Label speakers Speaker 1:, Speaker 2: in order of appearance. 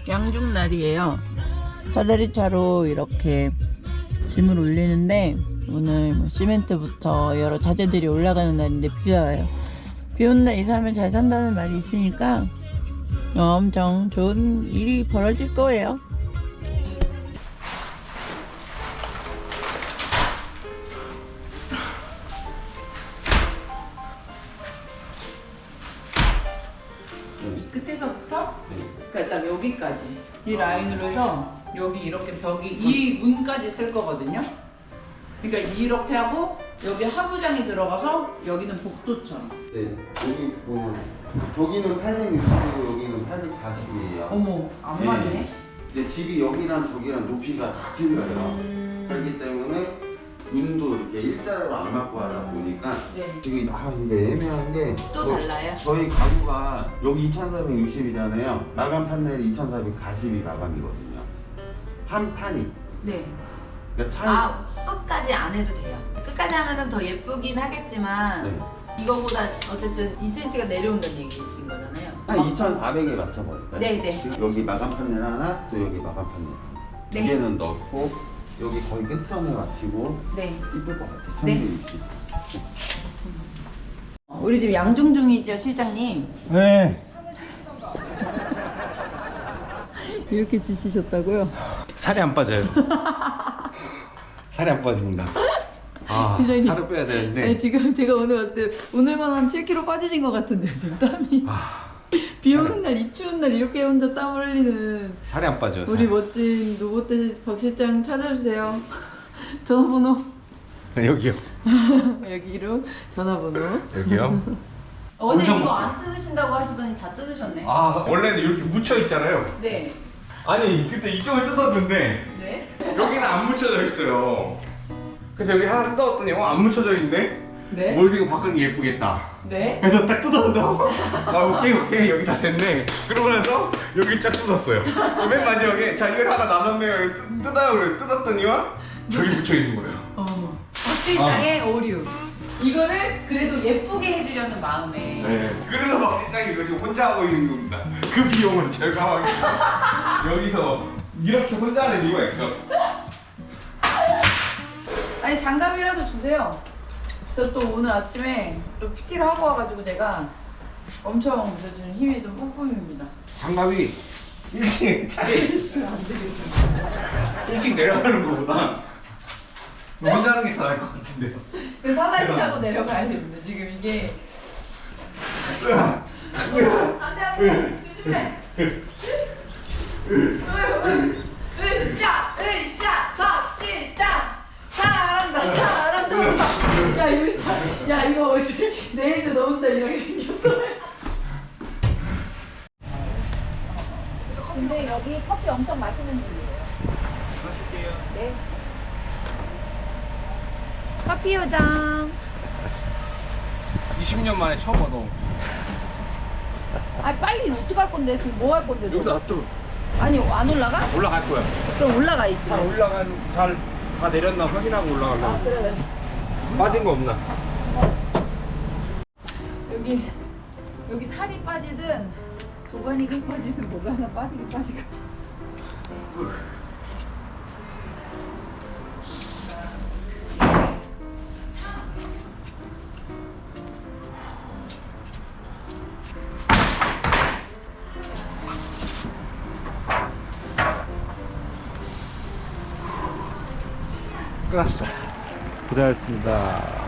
Speaker 1: 양중날이에요. 사다리차로 이렇게 짐을 올리는데 오늘 뭐 시멘트부터 여러 자재들이 올라가는 날인데 비가 와요. 비 오는 날 이사하면 잘 산다는 말이 있으니까 엄청 좋은 일이 벌어질 거예요. 이 끝에서부터 그러니까 딱 여기까지 이 라인으로 해서 여기 이렇게 벽이 이 문까지 쓸 거거든요. 그러니까 이렇게 하고 여기 하부장이 들어가서 여기는 복도처럼.
Speaker 2: 네, 여기 보면 저기는 860이고 여기는 840이에요.
Speaker 1: 어머, 안 맞네.
Speaker 2: 근데 집이 여기랑 저기랑 높이가 다 틀려요. 그렇기 때문에 문도 이렇게 일자로 안 맞고 하다 보니까
Speaker 1: 네.
Speaker 2: 이게 이게 애매한 게
Speaker 1: 또 달라요?
Speaker 2: 저희 가구가 여기 2,460이잖아요. 마감 판넬 2,440이 마감이거든요. 한 판이.
Speaker 1: 네.
Speaker 2: 그러니까
Speaker 1: 아, 끝까지 안 해도 돼요. 끝까지 하면은 더 예쁘긴 하겠지만
Speaker 2: 네.
Speaker 1: 이거보다 어쨌든 2cm가 내려온다는 얘기이신 거잖아요.
Speaker 2: 한 2,400에 맞춰버릴까요?
Speaker 1: 네네.
Speaker 2: 지금 여기 마감 판넬 하나, 또 여기 마감 판넬 하나.
Speaker 1: 네.
Speaker 2: 두 개는 넣고 여기 거의 끝선에 맞추고
Speaker 1: 네.
Speaker 2: 이쁠 것 같아요.
Speaker 1: 네.
Speaker 2: 1,260.
Speaker 1: 우리 집 양중중이죠, 실장님?
Speaker 3: 네.
Speaker 1: 이렇게 지시셨다고요?
Speaker 3: 살이 안 빠져요. 살이 안 빠집니다. 아,
Speaker 1: 굉장히-
Speaker 3: 살을 빼야 되는데.
Speaker 1: 네, 지금 제가 오늘 왔을 때 오늘만 한 7kg 빠지신 것 같은데요, 지금 땀이.
Speaker 3: 아,
Speaker 1: 비 오는 날, 이 추운 날 이렇게 혼자 땀 흘리는
Speaker 3: 살이 안 빠져요.
Speaker 1: 우리 멋진 로봇 박 실장 찾아주세요. 전화번호
Speaker 3: 여기요.
Speaker 1: 여기로 전화번호.
Speaker 3: 여기요.
Speaker 1: 어제
Speaker 3: 엄청
Speaker 1: 이거 안 뜯으신다고 하시더니 다 뜯으셨네.
Speaker 3: 아, 원래는 이렇게 묻혀 있잖아요.
Speaker 1: 네.
Speaker 3: 아니, 그때 이쪽을 뜯었는데
Speaker 1: 네.
Speaker 3: 여기는 안 묻혀져 있어요. 그래서 여기 하나 뜯었더니 안 묻혀져 있네.
Speaker 1: 네.
Speaker 3: 몰비고 바꾸는 게 예쁘겠다.
Speaker 1: 네.
Speaker 3: 그래서 딱 뜯었다고. 아, 오케이 여기 다 됐네. 그러고 나서 여기 쫙 뜯었어요. 맨 마지막에 자 이거 하나 남았네요. 뜯어요. 그래 뜯었더니만 저기 묻혀 있는 거예요.
Speaker 1: 어머. 박 실장의 오류. 이거를 그래도 예쁘게 해주려는 마음에.
Speaker 3: 네. 그래서 박 실장이 이거 지금 혼자 하고 있는 겁니다. 그 비용을 절감하기 위해서 여기서 이렇게 혼자 하는 이유가 있어.
Speaker 1: 아니 장갑이라도 주세요. 저 또 오늘 아침에 또 PT를 하고 와가지고 제가 엄청 저 지금 힘이 좀 뿜뿜입니다.
Speaker 3: 장갑이 1층에 차에
Speaker 1: 안 되겠어.
Speaker 3: 1층 내려가는 것보다 혼자 하는 게 더 나을 것 같은데요.
Speaker 1: 그 사다리 타고 내려가야 됩니다. 지금 이게 안돼 조심해. 으쌰 박 실장 잘한다. 야 이거 야 이거 내일도 너 혼자 이렇게 생겼다.
Speaker 4: 근데 여기 커피 엄청 맛있는 집이에요. 마실게요. 네. 커피 요정.
Speaker 3: 20년 만에 처음 와 너.
Speaker 4: 아 빨리 어떡할 건데? 지금 뭐 할 건데? 너?
Speaker 3: 여기다 또
Speaker 4: 아니 안 올라가?
Speaker 3: 올라갈 거야.
Speaker 4: 그럼 올라가
Speaker 3: 잘
Speaker 4: 있어.
Speaker 3: 올라간 다 내렸나 확인하고 올라가려고.
Speaker 4: 그래.
Speaker 3: 빠진 거 없나?
Speaker 1: 여기 살이 빠지든 도가니가 빠지든 뭐가 하나 빠지긴 빠지고.
Speaker 3: 끝났어. 고생하셨습니다.